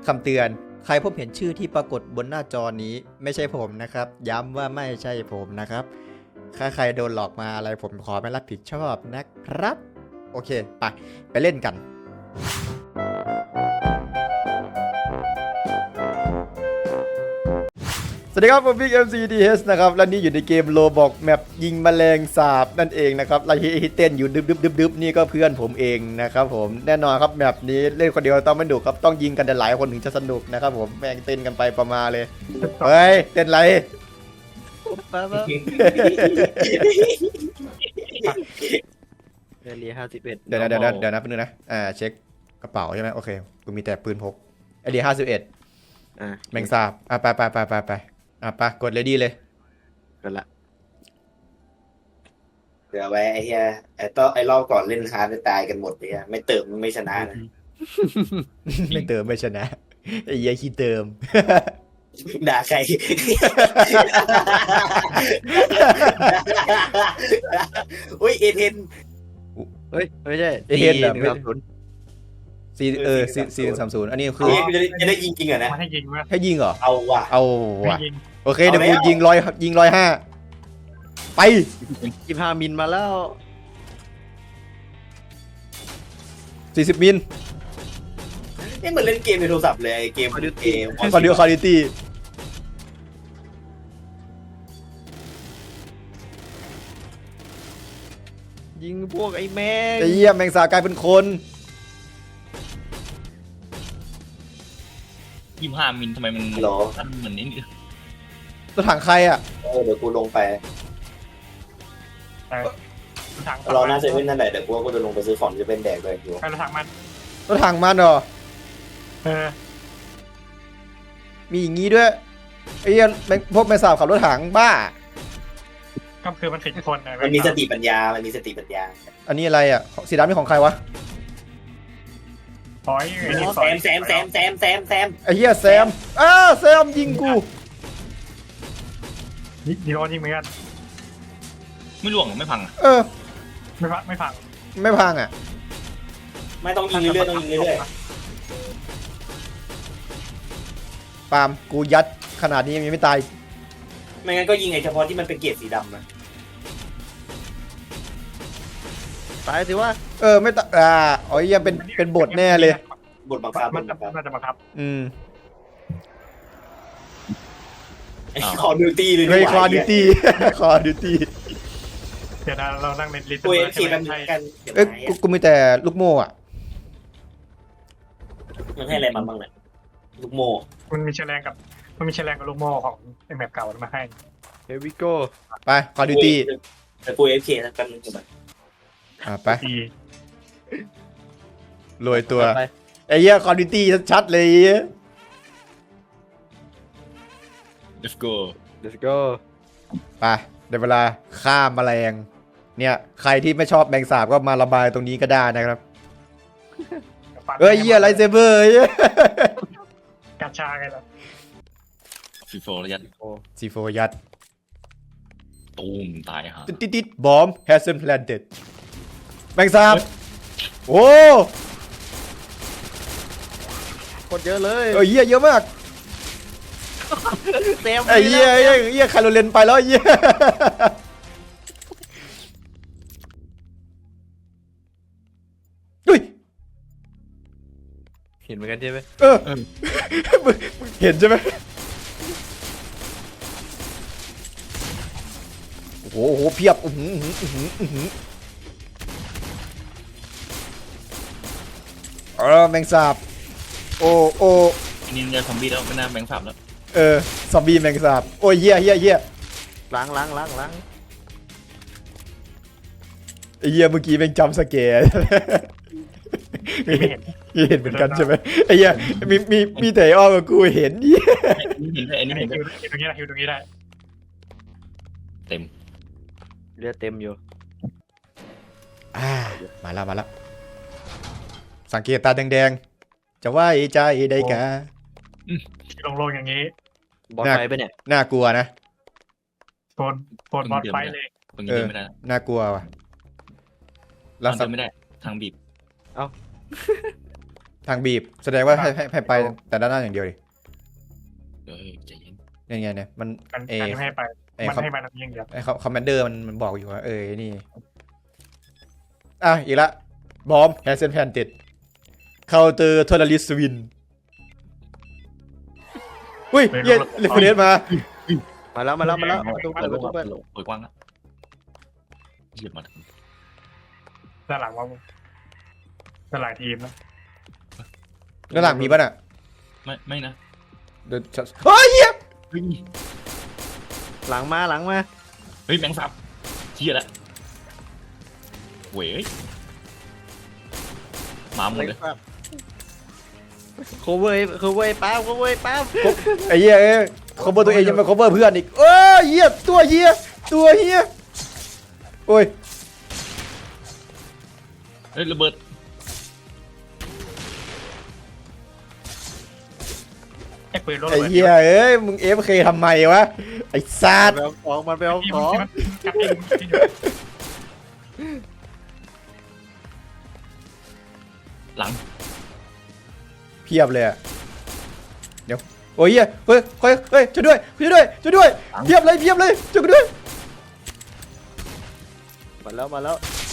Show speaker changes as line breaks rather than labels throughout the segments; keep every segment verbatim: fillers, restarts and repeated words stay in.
คำเตือนใครพบเห็นชื่อที่ปรากฏบนหน้าจอนี้ไม่ใช่ผมนะครับย้ำว่าไม่ใช่ผมนะครับถ้าใครโดนหลอกมาอะไรผมขอไม่รับผิดชอบนะครับโอเคไปไปเล่นกันสวัสดีครับผมบิ๊ก เอ็ม ซี ดี เอส นะครับและนี่อยู่ในเกมโลบอกแมปยิงแมลงสาบนั่นเองนะครับและที่เต้นอยู่ดึบดึบดึบดึบนี่ก็เพื่อนผมเองนะครับผมแน่นอนครับแมปนี้เล่นคนเดียวต้องไม่ดุครับต้องยิงกันหลายคนถึงจะสนุกนะครับผมแม่งเต้นกันไปประมาณเลยเฮ้ยเต้นไร
ป้าป้าเดลีห้าสิบเอ็ด
เดี๋ยวนะเดี๋ยวนะเดี๋ยวนะแป๊บนึงนะอ่าเช็คกระเป๋าใช่ไหมโอเคกูมีแต่ปืนพกไอเดียห้าสิบเอ็ด
อ่า
แมงสาบอ่ะไปไปไปไปไปอ่ะไปกดเลยดีเลย
กันละ
เดี๋ยวไว้ไอ้เหี้ยไอ้ต้อไอ้รอบก่อนเล่นฮาร์ดตายกันหมดเลยไม่เติมไม่ชนะนะ
ไม่เติมไม่ชนะไอ้เหี้ยขี้เติม
ด่าใคร อุ้ยเอเทน
เฮ้ยไม่ใช่
เอเทนเหรอ
หนึ่งสามศูนย์
ซีเออซีซีสามศูนย์อันนี้คือ
จะได้จะได้ยิงจริงเหรอนะ
มาให้ยิงไหม
ให้ยิงเหรอ
เอาว่ะ
เอา
ให้
ว่ะ
ยิง
โอเคเดี๋ยวกูยิงร้อยยิงร้อยห้าไป
ยี่ห้ามิลมาแล้ว
สี่สิบมิล
นี่เหมือนเล่นเกมในโทรศัพท์เลยไอ้เกมเกม
คอนดิวคอลิตี้
ยิงพวกไอ้แมง
ไอ้เหี้ยแมงสาบกลายเป็นคน
ยี่ห้ามิลทำไมมัน
หรอ
มันเหมือนนี่
รถถังใครอ่ะ
เออเดี๋ยวกูลงไป
ทาง
รอหน้าเซเว่นนั่นแหละเดี๋ยวกูก็จะลงไปซื้อของจะเป็นแดกเลยอยู่
ไปรถถังมัน
รถถังมันเหรอ
เออ
มีอย่างงี้ด้วยไอ้เหี้ยแมงพวกแมงสาบขับรถถังบ้า
ก็คือมันสิบคนนะ
มันมีสติปัญญา มันมีสติปัญญา
อันนี้อะไรอ่ะสีดำนี่ของใครวะ
ถอยไอ้นี่
แซมแซมแซมแซมแซมแซม
ไอ้เหี้ยแซมอ้าแซมยิงกู
ดีโดนยิงเหมือนกัน
ไม่ร่วงหรือไม่พังอ่ะ
เออ
ไม่พังไม่พัง
ไม่พังอ่ะ
ไม่ต้องยิงเรื่อยๆต้องยิงเรื่อย
ปาล์มกูยัดขนาดนี้ยังไม่ตาย
ๆไม่งั้นก็ยิงไอ้เฉพาะที่มันเป็นเกรดสีดำนะ
ตายสิวะ
เออไม่ตายอ่าอ๋อยังเป็นเป็นบทแน่เลย
บทบังคับ
มัน
บทบังคับ
น่าจะบังคับ
อืม
ไอ้คอร์ดิวตี้เลย
เฮ้ยคอดิตี้ คอดิตี้
เดี๋ยวนะเรานั่งในลิสต์
กูเอฟ
ใช่
ซี
ไหม
กัน
ใช่
กัน
เอ้ยกูกูมีแต่ลูกโม่อะ
มันให้อะไรมาบ้างเนี่ยลูกโม่
มันมีแฉลงกับมันมีแฉลงกับลูกโม่ของไอ้แมปเก่ามาให้
เฮวิโก้
ไปคอดิตี้
แต่กูเอฟเคกันนึงแบบ
อ่ะไป
ดี
รวยตัว
ไป
ไอ้เหี้ยคอดิตี้ชัดๆเลย
เดฟโก้
เดสโก้
ไปเดี๋ยวเวลาฆ่าแมลงเนี่ยใครที่ไม่ชอบแมงสาบก็มาระบายตรงนี้ก็ได้นะครับเอ้ยเหี้ยไรเซเบอร์
กาชาไงล่ะ
ฟีโฟระยะ
ซีโฟยัด
ตูมตายฮะ
ติดติดติดบอม has been planted แมงสาบโอ้
โคตรเยอะเลย
เอ้ยเหี้ยเยอะมาก
เต็ม
ไอ้เหี้ยไอ้เหี้ยเหี้ยคาร์โรเลนไปแล้วไอ้เหี้ยอุ้ย
เห็นเหมือนกันใช่ไหม
เออมึงมึงเห็นใช่ไหมโอ้โหโอ้โหเพียบอื้อหืออื้อหืออื้อหือเออแมงสาบโอ้โอ้
นี่เจอซอมบี้แล้วไม่น่าแบงค์สับแล้ว
เออซอมบี้แมงสาบโอ้ยเหี้ยเหี้ยเหี้ย
ล้างล้างล้างล้าง
ไอ้เหี้ยเมื่อกี้แม่งจำสแกร์
ไม่เห็น
เห็นเหมือนกันใช่ไหมไอ้เหี้ยมีมีมีแต่อ้อมกับกูเห็นเหี้ย
นี่เห็นได้อันนี้
ฮิ
เห็น
ว
ได้
ตรงนี้ได้ฮิวตรงนี้ได้
เต็ม
เลือดเต็มอยู่
อ่ามาแล้วมาแล้วสังเกตตาแดงๆจะว่าไอ้ใจได้กะ
ลงลงอย่างนี้
บอสไฟไปเนี่ย
น่ากลัวนะ
โซนโซนบอสไฟเลย
ตรงนี้
เอ
เดิ
อน
ไม่ได้
น่ากลัวว่ะ
ทา
แล้ว
ง
สั
เดินไม่ได้ทางบีบ
ทางบีบแสดงว่าให้ให้ให้ไปแต่ด้านหน้าอย่างเดียวดิ
เฮ้ยใจเย็น
ยังไงเนี่ยมัน
มัน
เอ
มันไม่ให้ไป
ไอ้
มัน
คอม
ให้มาทำอย่างเดียว
ไอ้คอมมานเดอร์มันมันบอกอยู่ว่าเออนี่อ่ะอีกละบอมแฮสเซนแพนติดเคาน์เตอร์ทอร์ลิสวินอุ้ยเย้เรฟเฟรนมา
มาแล้วมาแล้วมาแล้วประตู
เปิ
เปิ
ด
ดประตู
เปิ
เปิ
ด
ด
เปิดกว้างละเหยียบมาถึง
ด้านหลังว่าด้านหลังทีมนะ
ด้านหลังมีป่ะน่ะ
ไม่ไม่นะ
เดี๋ยวจะเฮ้ยเหี้ย
เฮ้ย
หลังมาหลังมา
เฮ้ยแมงสาบเชี่ยละเว้ยมาหมดเลย
โคเวอร์โคเวอร์ป้าโคเวอร์ป้า
ไอ้เหี้ยเอ้ยคอมเบอร์ตัวเองยังไปคอมเบอร์เพื่อนอีกเอ้ยเหี้ยตัวเหี้ยตัวเหี้ยโอ้ย
เฮ้ยระเบิด
ไอ้ปืนรถ
ไอ้เหี้ยเอ้ยมึงเอฟเคทำไมวะไอ้ซาด
ไปเอาของมันไปเอา
ที่
ข
มัน
อง
ที่มันกัดเองที่อยู่
หลัง
เพียบเลยอะเดี๋ยวโอ้ยเหี้ยเฮ้ยเฮ้ยเฮ้ยช่วยด้วยช่วยด้วยช่วยด้วยเพียบเลยเพียบเลยช่วยกูด้วย
มาแล้วมาแล้ว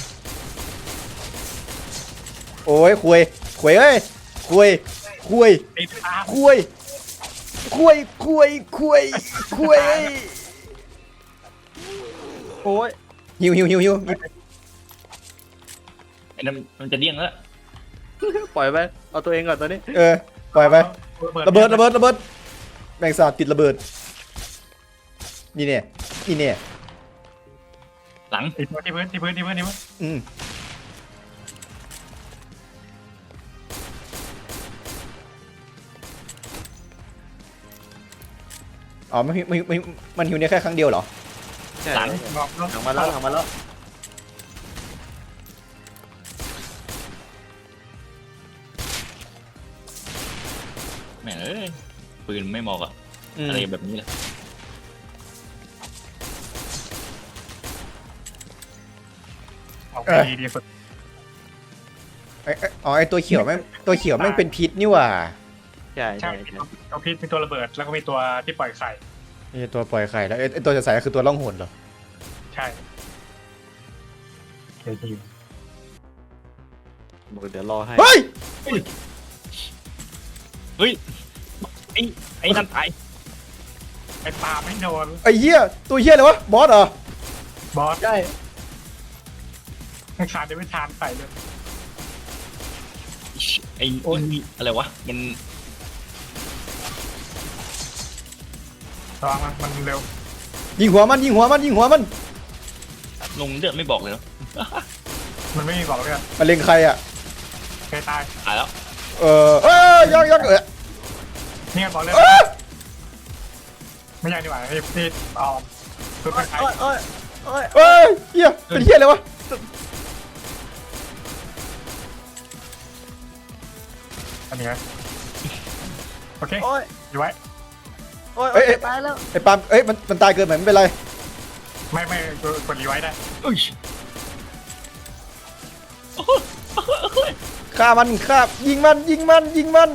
โอ้ยคุยคุยเอ้ยคุยคุย
ไอ้ตา
คุยคุยคุยคุยคุย
โอ้ย
หิวหิวหิวหิว
ไอ้นั่นมันจะเดี้ยงแล้ว
ปล่อยไปเอาตัวเองก่อนตอนนี้
เออปล่อยไประเบิดระเบิดระเบิดแมงสาบติดระเบิดนี่เนี่ยนี่เนี่ย
หลัง
ไอ้ตัวที่พื้นที่พื้นที่พื้นที่พื้น
อืมอ๋อมันมันมันมันหิวเนี่ยแค่ครั้งเดียวเหรอ
ใช่
หลังรอบ
หลังมาแล้วหลังมาแล้ว
แม่งเอ้ยปืนไม่เหมาะกับ
อืม
อะไรแบบนี้เลย
เอาไปดีดีสุด
ไอ้ไอ้อ๋อไอตัวเขียวแม่งตัวเขียวแม่งเป็นพิษนี่หว่า
ใช่
ใช่
ใช่ใช่
ตัวพิษมีตัวระเบิดแล้วก็มีตัวที่ปล่อยไข่
ไอตัวปล่อยไข่แล้วไอ้ไอตัวจะใส่ก็คือตัวล่องหนเหรอ
ใช่เดี๋ยวทีม
บอกเดี๋ยวรอให้
เฮ้ย
เฮ้ยไอ้ไอ้นั่นตาย
ไอ้ปลาไม่โดน
ไอ้เหี้ยตัวเหี้ยอะไรวะบอสเหรอบ
อส
ใช่
ไม่ขาดจะไม่ทานใส่เลย
ไอ้โอ้ยอะไรวะมัน
ระวังมันมันเร็ว
ยิงหัวมันยิงหัวมันยิงหัวมัน
ลงเลือดไม่บอกเลยเนาะ
มันไม่มีบอกเลย
มันเล็งใครอ่ะ
เคยตาย
ตายแล้ว
เออเอ้ยยักยักเออ
นี่บอกเลย
เอ้ย
ไม่ใช่ดีกว่าที่ที่ออมคือเป็นใคร
โอ้ยโอ้ยโอ้ย
เอ้ยเหี้ยเป็นเหี้ยอะไรวะ
อันนี้โอเค
โอ้ย
อยู่ไว้
โอ้ยโอ้ยตายแล้ว
ไอ้ปาล์มเอ้ยมันมันตายเกินไปไม่เป็นไร
ไม่ไม่กดรีไว้ได้
เอ้ย
ฆ่ามันฆ่ายิงมันยิงมันยิงมัน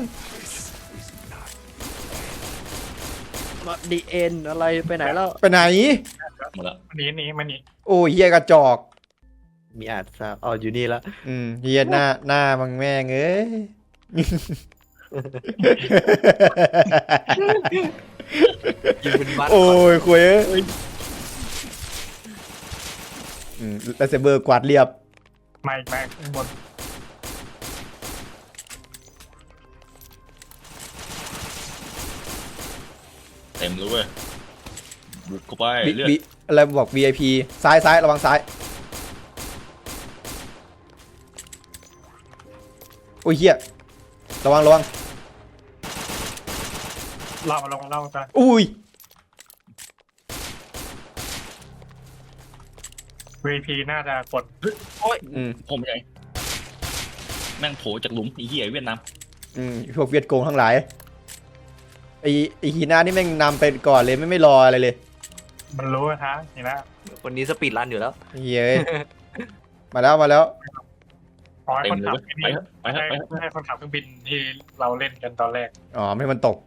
ดีเอ็นอะไรไปไหนแล้ว
ไปไหน
หมดแล้ว
มันหนีหนีมันหนี
โอ้ยเหี้ยกระจอก
มีอาจทราบอ๋ออยู่นี่แล้ว
อืมเหี้ยหน้าหน้ามึงแม่งเอ้ย
ยิงเป็นบัต
โอ้ยคุยเอ้ยอืมแล้วเซเบอร์กวาดเรียบ
มาอีกแม่ข้างบน
เต็มเลยเว้ยบุกเข้าไป
วิ
เลือด
วิอะไรบอก วี ไอ พี ซ้ายซ้ายระวังซ้ายโอ้ยเหี้ยระวังระวัง
เล่ามาลงเล่ากัน
อุ้ย
วี พี น่าจะกด
อืม
ผมใหญ่แม่งโผล่จากหลุมไอ้เหี้ยเวียดนาม
อืมพวกเวียดโกงทั้งหลายไอไอฮีน่านี่แม่งนำไปก่อนเลยไม่ไม่รออะไรเลย
มันรู้นะฮะนี่นะ
คนนี้สปีดรันอยู่แล้ว
เฮ้ย มาแล้วมาแล้ว
ขอให้
เต็
ค
ม
น
เลย
ขับ
เว้ยไปเถอะไปเถอะไปเถอะ
ให้ให้คนขับเครื่องบินที่เราเล่นกันตอนแรก
อ๋อไม่ให้มันตก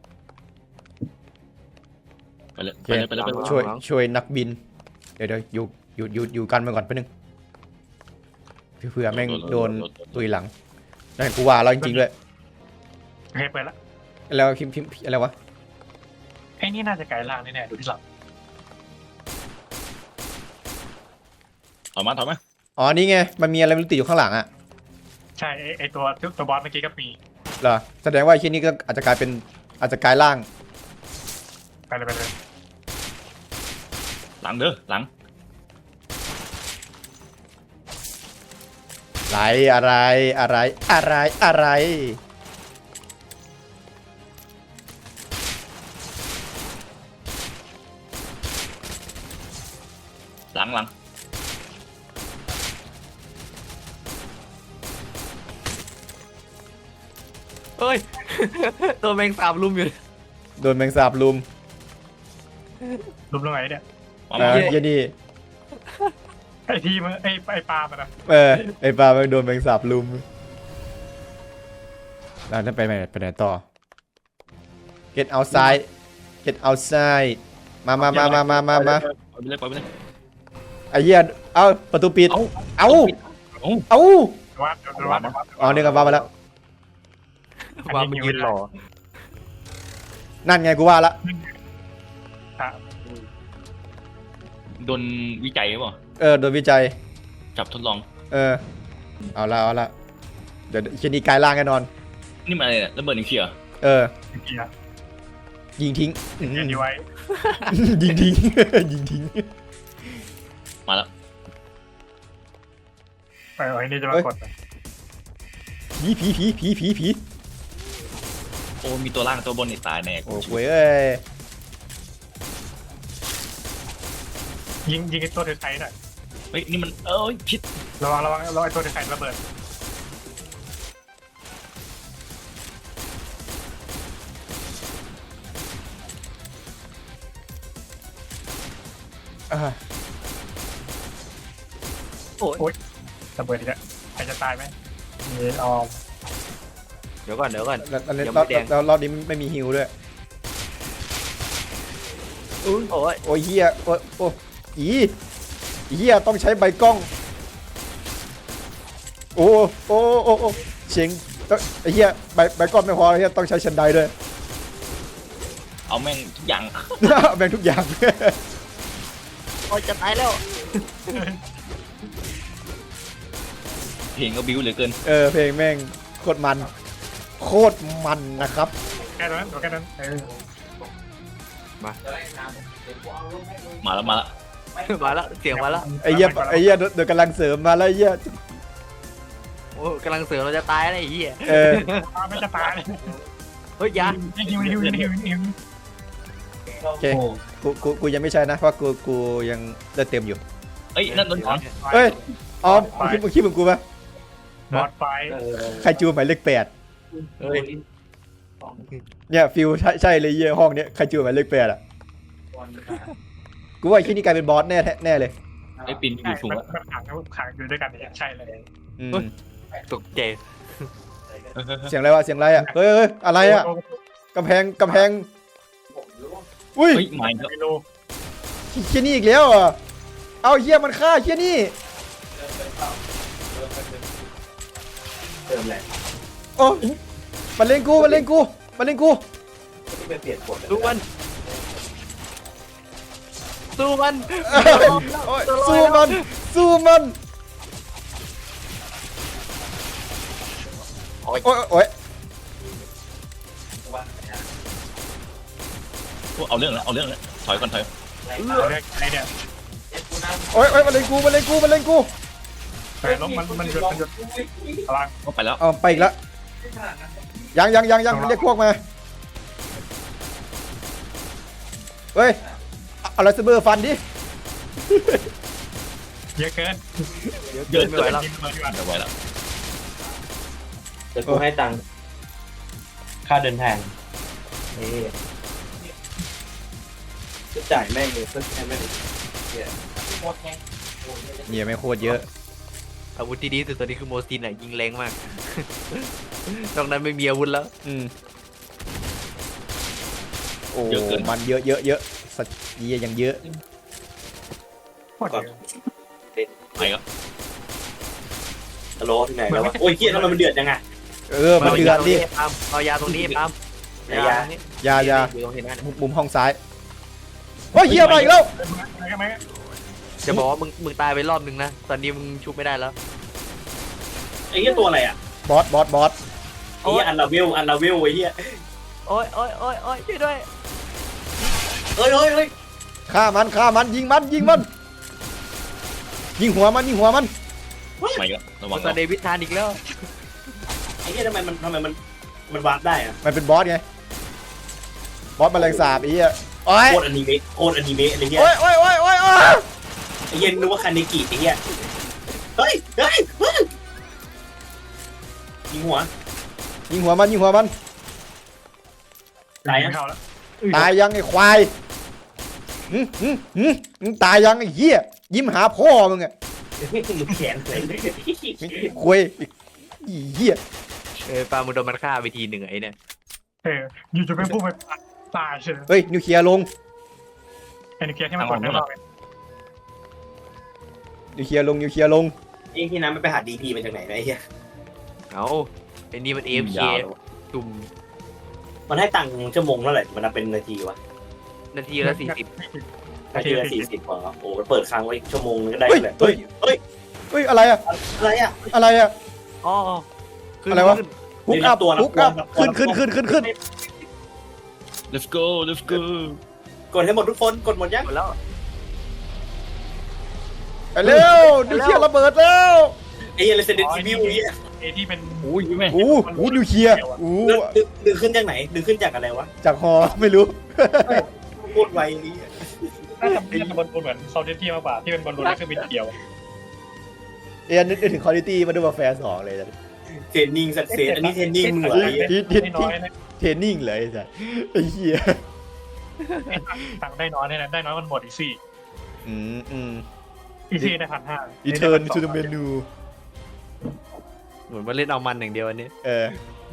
ไปเลย
โอ
ไป
เค
เลยไปเลยไปเลย
ช่วยช่วยนักบิน เดี๋ยวเดี๋ยวอยู่อยู่อยู่อยู่กันมาก่อนแป๊บนึงเผื่อแม่งโดนตุยหลังนั่นกูว่าแล้วจริงๆเลย
โอเคเปิดละ
แล้วพิมพ์พิมพ์อะไรวะ
ไอ้นี่น่าจะไกลล่างแน่ๆดูที่หลัง
ถอยมาถอยมา
อ๋อนี่ไงมันมีอะไรไม่รู้ติดอยู่ข้างหลังอะ
ใช่ไอ้ไอ้ตัวตัวบอสเมื่อกี้ก็มี
เหรอแสดงว่าไอ้ที่นี่ก็อาจจะกลายเป็นอาจจะกลายร่าง
ไปเลยไปเลย
หลังเด้อหลัง
อะไรอะไรอะไรอะไรอะไร
หลังหลัง
เฮ้ย ตัวแมงสาบลุมอยู่
โดนแมงสาบลุม
รูปตรงไหนเนี่ย
มา
เอ
มา
อเหี้ยนี่
ไอ้ทีมันไอ้ไอ้ปลามันนะ
เออไอ้ปลาแม่งโดนแมงสาบลุมแล้วนั่นไปไหนไปไหนต่อ get outside get outside มามามามามามามา
ปล่อยไปเลยปล่อยไปเลย
ไอ้เหี้ยเอ้าประตูปิด
เอ้า
เอ้า
เอ้า
เอ้า
วัดวัดวัด
อ๋อนี่ก็ว่ามาแล้ว
ว่ามันยืนหล่อ
นั่นไงกูว่าละ
อ่ะ
โดนวิจัยหรือเปล่า
เออโดนวิจัย
จับทดลอง
เออเอาละเอาละเดี๋ยวเชนีกลายร่างแน่นอน
นี่มันอะไรเนี่ยระเบิดนิวเคลียร์
เออ
เกียร์
ยิงทิ้งอืม
เกียร์ดีไว้
ยิงทิ้ง ยิงทิ้ง
มาแล้ว
ไปไอ้นี่จะมากด
ผีผีผีผีผีผี
โอ้มีตัวล่างตัวบนนี่ตายแน่
โอ้โหเอ้ย
ยิงยิงไอ้ตัวถือไข่หน่อย
เฮ้ยนี่มันเอ้ยพิษ
ระวังระวังระวังไอ้ตัวถือไข่ระเบิด
อ่า
ระเบิดอีกแล้วใครจะตายไหมมีออม
เดี๋ยวก่อนเดี๋ยวก่อน
แล้วแล้ว
ยัง
ร
ไม่
อบ
แดง
แล้วรอบนี้ไม่มีฮิวด้วย
อุ้ยโอ้ย
โอ้ยเฮียโอ้ยโอ้อีเฮียต้องใช้ใบกล้อง โอ้โอ้โอ้โอ้เฉียงต้องไอ้เฮียใบใบกล้องไม่พอเฮียต้องใช้ชันไดด้วย
เอาแม่งทุกอย่าง
แบ่งทุกอย่าง
โอ้ยจะตายแล้ว
เพลงก็บิ้วเหลือเกิน
เออเพลงแม่งโคตรมันโคตรมันนะครับ
แค่นั้นแค่นั้นเออ
มาแล้วมาแล้ว
มาแล้วเสียงมาแล้ว
ไอ้เหี้ยไอ้เหี้ยเดี๋ยวกำลังเสริมมาแล้วไอ้เหี้ย
โอ้กำลังเสือเราจะตายแล้วไอ้เหี้ย
เออ
ไม่จะตาย
เฮ้ยยา
ฮิวฮิวฮิวฮิวฮิว
โอเคกูกูกูยังไม่ใช่นะเพราะกูกูยังเลือดเต็มอยู่
เอ้ยนั่นโดนถอน
เฮ้ยออมมึงคิดมึงคิดเหมือนกูปะ
บอดไฟ
ใครจูหมายเลขแปด
เฮ้ย
เนี่ยฟิลใช่ใช่เลยเยี่ยห้องเนี้ยใครจูหมายเลขแปดอ่ะกูว่าไอ้ที่นี่กลายเป็นบอสแน่แน่เลย
ไอ้ปินอยู่สูง
มัน
แล้ว
มันขังขังอยู่ด้วยกันเนี่ยใช่เลย
อืม
ตกใจ
เสียงอะไรวะเสียงอะไรอ่ะเฮ้ยเฮ้ยอะไรอ่ะกำแพงกำแพงอุ้ย
เฮ้ยไม่ก็
ไม่รู้
เฮียนี่อีกแล้วเหรอ่ะเอาเฮียมันฆ่าเฮียนี่โอ้มันเล่นกูมันเล่นกูมันเล่นกู
สู้มันสู้มัน
โอ้ยสู้มันสู้มันโอ้ยโอ้ยโอ้ย
เอาเรื่องแล้วเอาเรื่องแล้วถอยก่อนถอย
ไอ้เนี่ย
โอ้ยโอ้ยมันเล่นกูมันเล่นกูมันเล่นกู
แต่ล้มมันมันหยุดมันหยุดพลัง
ก็ไปแล้ว
เอาไปอีกแล้วยังยังยังยังเรียกพวกมาเฮ้ยเอาไรเซเบอร์ฟันดิ
เยอะเกิน
เดินไม่ไหวแล้ว
ยิงมาดีกว่า
เดี๋ยวไว้แล้ว
เดี๋ยวกูให้ตังค์ค่าเดินทางนี่จะจ่ายแม่งเลยเพื่อแค่แม่ง
เนี่ยไม่โคตรเยอะ
อาวุธที่ดีที่สุดตอนนี้คือโมซินอ่ะยิงแรงมาก นอกนั้นไม่มีอาวุธแล้ว
อืมโอ้มันเยอะเยอะเยอะสัตว์เยี่ยอย่างเยอะ
โคตรเยอะ
ไปก็
ฮัลโหลที่ไหนแล้ววะโอ้ยเฮียทำไมมันเดือดจังอะ
เออมันเดือดดิ
เอายาตรงนี้ปั๊ม
ไหนยา
ตรงนี้
ยายา
อยู่ตรงนี้นะ
มุมมุมห้องซ้ายโอ้ยเฮียมาอีกแล้ว
อะไรกันไหม
จะบอกว่ามึงมึงตายไปรอบนึงนะตอนนี้มึงชุบไม่ได้แล้ว
ไอ้เฮียตัวอะไรอะ
บอสบอสบอส
ไอ้เฮียอันลาเวลอันลาเวลไอ้เฮีย
โอ้ยโอ้ยโอ้ยโอ้ยช่วยด้วย
เอ้ยเอ้ยเอ้ย
ฆ่ามันฆ่ามันยิงมันยิงมันยิงหัวมันยิงหัวมัน
ไปก็ระวัง
ตอนเดวิดทานอีกแล้ว
ไอ้เฮียทำไมมันทำไมมันมันวาร์ปได้อะ
มันเป็นบอสไงบอสแมลงสาบไอ้เหี้ยโอ้ย
โคตรอนิเมะโคตรอนิเมะอะไรเงี้ย
โอ้ยโอ้ยโอ้ยโอ้ยโอ้ย
ไอ้เหี้ย็นนึกว่าคาเนกิไอ้เหี้ยเฮ้ยเฮ้ยเฮ้ยยิงหัว
ยิงหัวมันยิงหัวมัน
ตายอ่ะ
เข้าแล้ว
ตายยังไอ้ควายหืมหืมหืมมึงตายยังไอ้เหี้ยยิ้มหาพ่อมึงอะ
มึงแขนเลย
คุยไอ้เหี้ย
เออปลามึงโดนมันฆ่าไปทีหนึ่งไอ้เนี่ย
เอออยู่จะเป็นผู้ไปตายเฉย
เฮ้ยนิวเคลียร์ลง
ไอ้นิเกียที่มันกดได้รอบ
นิวเคลียร์ลงนิวเคลียร์ลง
ไอ้ที่นั้นมันไปหาดีพีมาจากไหนนะไอ้เหี้ย
เอาไอ้นี่มันเอฟเค
ยาว
จุ่ม
มันให้ตังค์ชั่วโมงเท่าไหร่มันนับเป็นนาทีวะ
นาทีละสี่สิบ
นาทีละสี่สิบพอโอ้โหเปิดค้างไว้ชั่วโมงนึงก็ได้
เฮ้ย
เลย
เฮ้ย
เฮ้ย
เฮ้ยอะไรอะ
อะไรอ่ะ
อะไรอะ
อ๋อขึ้น
อะไรวะ
ขึ้น
ฮุกอัพฮุกอัพขึ้นขึ้นขึ้นขึ้นขึ้น
let's go let's go
กดให้หมดทุกคนกดหมดยัง
หมดแล้ว
ไปเร็วนิวเคลียร์ระเบิดแล้ว
ไอ้เหี้ยเรสเดนทีวิวไอ้เหี้ย
ไอ้ที่เป็น
โอ้ยแม่
อู้หูนิวเคลียร์อู้
ดึงดึงขึ้นจากไหนดึงขึ้นจากอะไรวะ
จากฮอไม่รู้
โคตรไวไอ้เหี้ย
น่าจะเป็นบอลลูนเหมือนซอลเทตี้มากกว่าที่เป็นบอลลูนแล้วคือบินเดียว
เอ็นนึกถึงคอลิตี้มาดูมาแฟร์สองเลยจ้ะ
เทรนนิ่งสัตว์เซนอันนี้เทรนนิ่งเหมือนไอ้เหี้ย
ที่ที่
ได้น้
ที่
อยนะ
เทรนนิ่งเลยจ้ะไอ้เหี้ย
ตังได้น้อยเนี่ยนะได้น้อยมันหมดอีกสี่
อืมอืม
อีซี่ได้พันห้า
Return to the menu
เหมือนมาเล่นเอามันอย่างเดียวอันนี้
เออ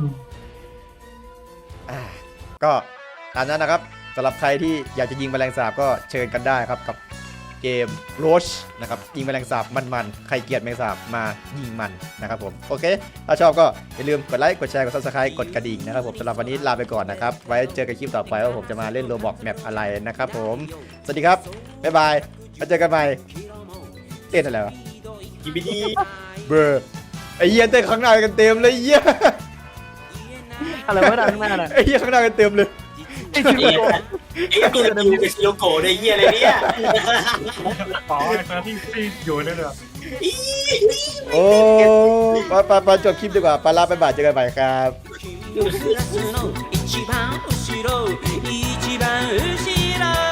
อ่าก็ตามนั้นนะครับสำหรับใครที่อยากจะยิงแมลงสาบก็เชิญกันได้ครับกับเกม Roach นะครับยิงแมลงสาบมันๆใครเกลียดแมลงสาบมายิงมันนะครับผมโอเคถ้าชอบก็อย่าลืมกดไลค์กดแชร์กด Subscribe กดกระดิ่งนะครับผมสำหรับวันนี้ลาไปก่อนนะครับไว้เจอกันคลิปต่อไปว่าผมจะมาเล่น Roblox แมปอะไรนะครับผมสวัสดีครับบ๊ายบายมาเจอกันใหม่เต้นอะไรวะ
กีบีดี
เบอร์ไอ้เหี้ยเต้นข้างหน้ากันเต็มเลยไอ้เหี้ย
อะไรวะด้านข้างหน้าน่ะ
ไอ้เหี้ยข้างหน้ากันเต็มเลย
ไอ้เหี้ยไอ้ตัวดิวกับชิโยโกะไอ้เหี้ยอะไรเนี่ย
อ๋อไอ้ตัวที่ที่อยู่เนี่ยเลย
โอ้ไปไปไปจบคลิปดีกว่าไปลาไปบ่ายเจอกันใหม่ครับ
クラスの一番後ろ一番後ろ